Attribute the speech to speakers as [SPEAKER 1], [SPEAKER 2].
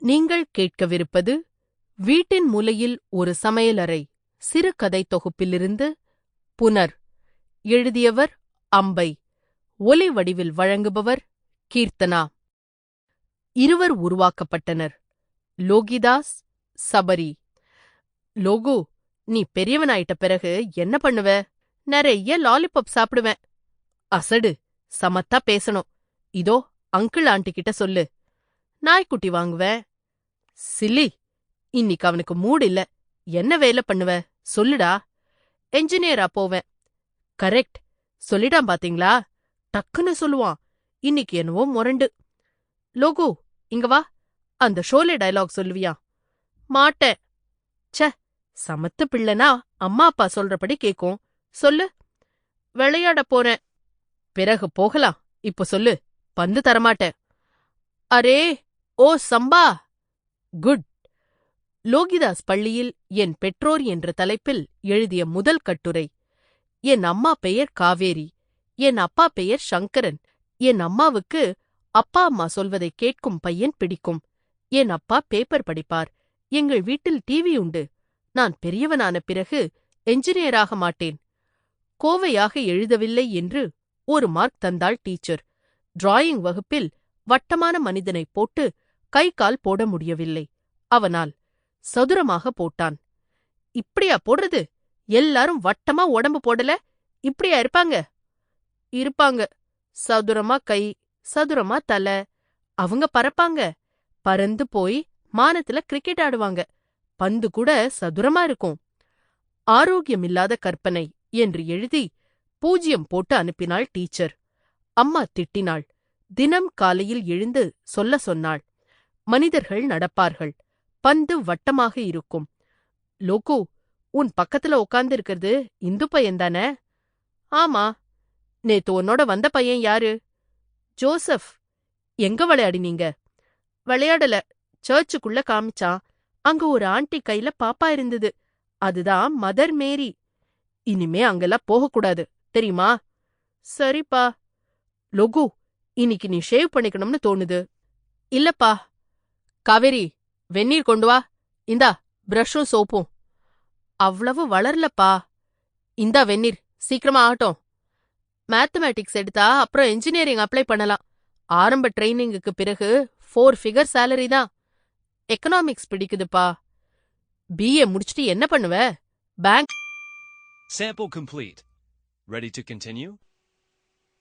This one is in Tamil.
[SPEAKER 1] நீங்கள் கேட்கவிருப்பது வீட்டின் மூலையில் ஒரு சமையலறை சிறுகதை தொகுப்பிலிருந்து புனர். எழுதியவர் அம்பை. ஒலி வடிவில் வழங்குபவர் கீர்த்தனா. இருவர் உருவாக்கப்பட்டனர். லோகிதாஸ், சபரி. லோகு, நீ பெரியவனாயிட்ட பிறகு என்ன பண்ணுவ? நிறைய லாலிபாப் சாப்பிடுவேன். அசடு, சமத்தா பேசணும். இதோ அங்கிள் ஆண்டி கிட்ட சொல்லு. நாய்க்குட்டி வாங்குவேன். சில்லி, இன்னைக்கு அவனுக்கு மூடு இல்ல. என்ன வேலை பண்ணுவ சொல்லுடா. என்ஜினியரா போவேன். கரெக்ட், சொல்லிடான் பாத்தீங்களா? டக்குன்னு சொல்லுவான். இன்னைக்கு என்னவோ முரண்டு. லோகு, இங்க வா, அந்த ஷோலே டயலாக் சொல்லுவியா? மாட்டேன். ச, சமத்து பிள்ளைனா அம்மா அப்பா சொல்றபடி கேக்கும். சொல்லு. விளையாட போறேன். பிறகு போகலாம், இப்ப சொல்லு. பந்து தரமாட்டேன். அரே ஓ சம்பா. குட். லோகிதாஸ் பள்ளியில் என் பெற்றோர் என்ற தலைப்பில் எழுதிய முதல் கட்டுரை. என் அம்மா பெயர் காவேரி, என் அப்பா பெயர் சங்கரன். என் அம்மாவுக்கு அப்பா அம்மா சொல்வதை கேட்கும் பையன் பிடிக்கும். என் அப்பா பேப்பர் படிப்பார். எங்கள் வீட்டில் டிவி உண்டு. நான் பெரியவனான பிறகு என்ஜினியராக மாட்டேன். கோவையாக எழுதவில்லை என்று ஒரு மார்க் தந்தாள் டீச்சர். டிராயிங் வகுப்பில் வட்டமான மனிதனை போட்டு கை கால் போட முடியவில்லை. அவனால் சதுரமாக போட்டான். இப்படியா போடுறது? எல்லாரும் வட்டமா உடம்பு போடல இப்படியா இருப்பாங்க? இருப்பாங்க. சதுரமா கை, சதுரமா தலை. அவங்க பறப்பாங்க. பறந்து போய் மானத்துல கிரிக்கெட் ஆடுவாங்க. பந்து கூட சதுரமா இருக்கும். ஆரோக்கியமில்லாத கற்பனை என்று எழுதி 0 போட்டு அனுப்பினாள் டீச்சர். அம்மா திட்டினாள். தினம் காலையில் எழுந்து சொல்ல சொன்னாள். மனிதர்கள் நடப்பார்கள். பந்து வட்டமாக இருக்கும். லோகு, உன் பக்கத்துல உட்கார்ந்து இருக்கிறது இந்து பையன்தானே? ஆமா. நேத்து உன்னோட வந்த பையன் யாரு? ஜோசப். எங்க விளையாடினீங்க? விளையாடல, சர்ச்சுக்குள்ள காமிச்சான். அங்க ஒரு ஆண்டி கையில பாப்பா இருந்தது. அதுதான் மதர் மேரி. இனிமே அங்கெல்லாம் போகக்கூடாது, தெரியுமா? சரிப்பா. லோகு, இன்னைக்கு நீ ஷேவ் பண்ணிக்கணும்னு தோணுது. இல்லப்பா. காவேரி, வெந்நீர் கொண்டு வா. இந்தா பிரஷும் சோப்பும். அவ்வளவு வளரலப்பா. இந்தா வெந்நீர், சீக்கிரமா ஆகட்டும். மேத்தமேட்டிக்ஸ் எடுத்தா அப்புறம் என்ஜினியரிங் அப்ளை பண்ணலாம். ஆரம்ப ட்ரைனிங்குக்கு பிறகு 4 ஃபிகர் சேலரி தான். எக்கனாமிக்ஸ் பிடிக்குதுப்பா. பிஏ முடிச்சுட்டு என்ன பண்ணுவ? Bank.
[SPEAKER 2] Sample complete. Ready to continue?